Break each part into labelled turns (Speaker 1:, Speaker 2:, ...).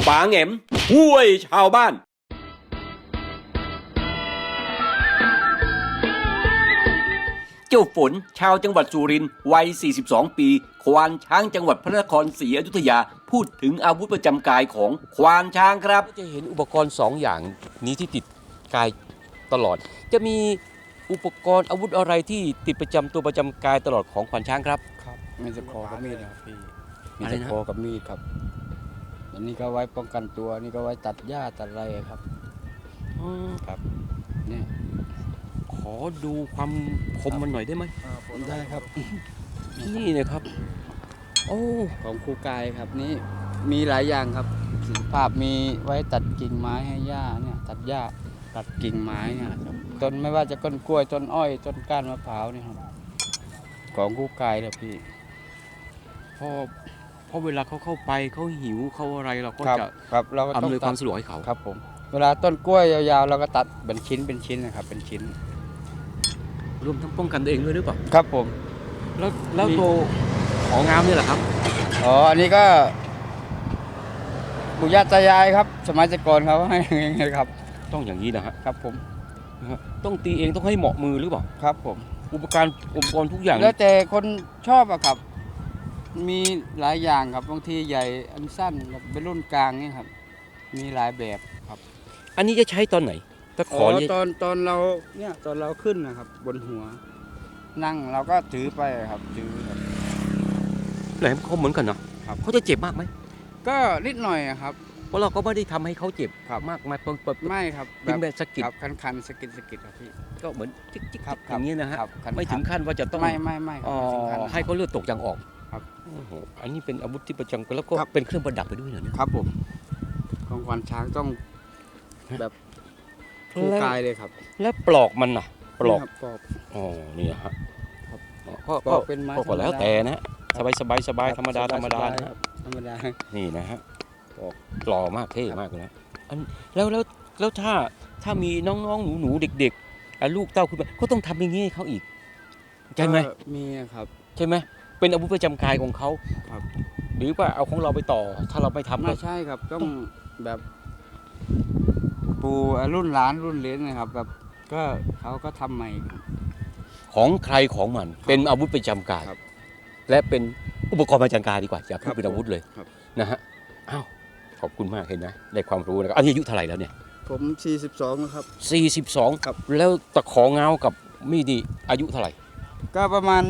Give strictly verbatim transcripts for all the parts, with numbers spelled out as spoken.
Speaker 1: ป๋าแหง่มห้วยชาวบ้านเจ้าฝนชาวจังหวัดสุรินทร์วัย สี่สิบสอง ปี ควานช้างจังหวัดพระนครศรีอยุธยาพูดถึงอาวุธประจำกายของควานช้างครับจะเห็นอุปกรณ์สองอย่างนี้ที่ติดกายตลอดจะมีอุปกรณ์อาวุธอะไรที่ติดประจำตัวประจำกายตลอดของควานช้างครับ
Speaker 2: ครับมีตะขอกับมีดนะครับพี่มี
Speaker 1: อะไร
Speaker 2: ตะ
Speaker 1: นะ
Speaker 2: ขอกับมีดครับอันนี้ก็ไว้ป้องกันตัวนี่ก็ไว้ตัดหญ้าตัดอะไรครับ
Speaker 1: อืม
Speaker 2: ครับเนี่ย
Speaker 1: ขอดูความคมมันหน่อยได้ไหม
Speaker 2: ได้ครับ
Speaker 1: นี่นะครับ โอ้
Speaker 2: ของครูกายครับนี่มีหลายอย่างครับศิลปภาพมีไว้ตัดกิ่งไม้ให้หญ้าเนี่ยตัดหญ้าตัดกิ่งไม้เนี่ยครับต้นไม่ว่าจะต้นกล้วยต้นอ้อยต้นก้านมะพร้าวเนี่ยครับของครูกายเลยพี่
Speaker 1: พอพอเวลาเขาเข้าไปเขาหิวเขาอะไรเราก็
Speaker 2: ครับ
Speaker 1: จะ
Speaker 2: ครับเราก็ต้อ
Speaker 1: อำ
Speaker 2: ง
Speaker 1: นวยค
Speaker 2: ตั
Speaker 1: วา
Speaker 2: ด
Speaker 1: มสะดวกให้เขา
Speaker 2: ครับผมเวลาต้นกล้วยยาวๆเราก็ตัดเป็นชิ้นเป็นชิ้นนะครับเป็นชิ้น
Speaker 1: รวมทั้งป้องกันตัวเองด้วยหรือเปล่า
Speaker 2: ครับผม
Speaker 1: แล้วแล้วตัวของงามนี่แหละครับ
Speaker 2: อ๋อ อันนี้ก็ปู่ย่าตายายครับ สมัยแต่ก่อนเขาให้อย่างนี้ครับ
Speaker 1: ต้องอย่างนี้นะฮะ
Speaker 2: ครับผม
Speaker 1: นะฮะต้องตีเองต้องให้เหมาะมือหรือเปล่า
Speaker 2: ครับผม
Speaker 1: อุปกรณ์อุปกรณ์ทุกอย่าง
Speaker 2: แล้วแต่คนชอบอะครับ มีหลายอย่างครับ บางทีใหญ่อันสั้นแบบเป็นรุ่นกลางนี่ครับ มีหลายแบบครับ
Speaker 1: อันนี้จะใช้ตอนไหนตะข
Speaker 2: อ๋
Speaker 1: อ
Speaker 2: อ
Speaker 1: นี่
Speaker 2: ตอนตอนเราเนี่ยตอนเราขึ้นนะครับ บนหัว นั่งเราก็ถือไปครับ ถือครับ
Speaker 1: แหลมคมเหมือนกันเนาะ
Speaker 2: ครับ
Speaker 1: เขาจะเจ็บมากไหม
Speaker 2: ก็นิดหน่อยอะครับ
Speaker 1: เพราะเราก็ไม่ได้ทำให้เขาเจ็บ
Speaker 2: ครับ
Speaker 1: มากมายเปิดเปิด
Speaker 2: ไม่ครับ
Speaker 1: เป็นแบบสะกิด
Speaker 2: ครับคันคันๆสะกิดสะกิดครับพี่
Speaker 1: ก็เหมือนจิ๊กจิ๊ก
Speaker 2: ครับ
Speaker 1: ๆอย่างนี้นะฮะ
Speaker 2: ครับคันๆ
Speaker 1: ไม่ถึงขั้นว่าจะต้อง
Speaker 2: ไม่ไม่ไม่ครั
Speaker 1: อ๋
Speaker 2: บ
Speaker 1: อ
Speaker 2: ไม่ถึงขั้นนั้น
Speaker 1: ให้เขาเลือดตกยางออก
Speaker 2: ครับ
Speaker 1: โอ้โหอันนี้เป็นอาวุธที่ประจำแล้วก็
Speaker 2: ครับ
Speaker 1: เป็นเครื่องประดับไปด้วยเหรอเนี่ย
Speaker 2: ครับผมของขวัญช้างต้องแบบคู่กายเลยครับ
Speaker 1: แล้วปลอกมันน่ะปลอก
Speaker 2: นี่ครับปลอก
Speaker 1: อ๋อนี่ฮะ
Speaker 2: ครับ
Speaker 1: ก็
Speaker 2: ปลอกเป็นไม้
Speaker 1: ก็ก็แล้ว
Speaker 2: ธรรมดา
Speaker 1: แต่นะสบายสบายสบาย
Speaker 2: ครับ
Speaker 1: ธรรมดา
Speaker 2: สบาย
Speaker 1: ธรรมดา
Speaker 2: สบาย
Speaker 1: นะ
Speaker 2: ครับธรรมดา
Speaker 1: นี่นะฮะปลอกหล่อมากเท่มากเลยนะอันแล้วแล้วแล้วถ้าถ้ามีน้องๆหนูๆเด็กๆอ่ะลูกเต้าคุณมาก็ต้องทำอย่างนี้ให้เขาอีกใช่ไหม
Speaker 2: ก็มีครับ
Speaker 1: ใช่ไหมเป็นอาวุธประจำกายของเขา
Speaker 2: ครับ
Speaker 1: หรือว่าเอาของเราไปต่อ ถ้าเราไม่ทำ
Speaker 2: ไม่
Speaker 1: ก็
Speaker 2: ใช่ครับต้องแบบปู่รุ่นหลานรุ่นเหลนนะครับ แบบก็เขาก็ทำใหม่ครับ
Speaker 1: ของใครของมัน เป็นอาวุธประจำกาย
Speaker 2: ครับ
Speaker 1: และเป็นอุปกรณ์ประจำกายดีกว่าอย่าพู
Speaker 2: ครั
Speaker 1: ด
Speaker 2: บ
Speaker 1: เป็นอาวุธเลย
Speaker 2: ครับ
Speaker 1: นะฮะอ้าวขอบคุณมากเห็นนะได้ความรู้นะครับอันนี้อายุเท่าไหร่แล้วเนี่ย
Speaker 2: ผมสี่สิบสองครับ
Speaker 1: สี่สิบสอง
Speaker 2: ครับ
Speaker 1: แล้วตะของเงากับมีดนี่อายุเท่าไหร่
Speaker 2: ก็ประมาณ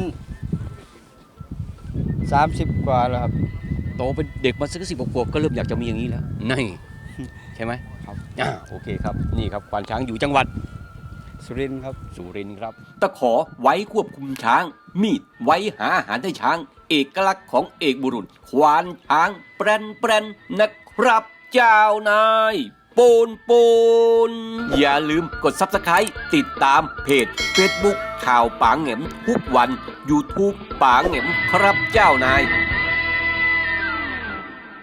Speaker 2: สามสิบกว่าแล้วครับ
Speaker 1: โตเป็นเด็กมาสักสิบกว่าก็เริ่มอยากจะมีอย่างนี้แล้วนี่ ใช่ไหม
Speaker 2: ครับ
Speaker 1: อ่าโอเคครับนี่ครับควานช้างอยู่จังหวัด
Speaker 2: สุรินทร์ครับ
Speaker 1: สุรินทร์ครับตะขอไว้ควบคุมช้าง มีดไว้หาอาหารให้ช้าง เอกลักษณ์ของเอกบุรุษ ควานช้างแปรนแปรนนะครับเจ้านายปูนปูนอย่าลืมกด ซับสไครบ์ ติดตามเพจ เฟซบุ๊ก ข่าวป๋าแหง่มทุกวัน ยูทูบ ป๋าแหง่มครับเจ้านาย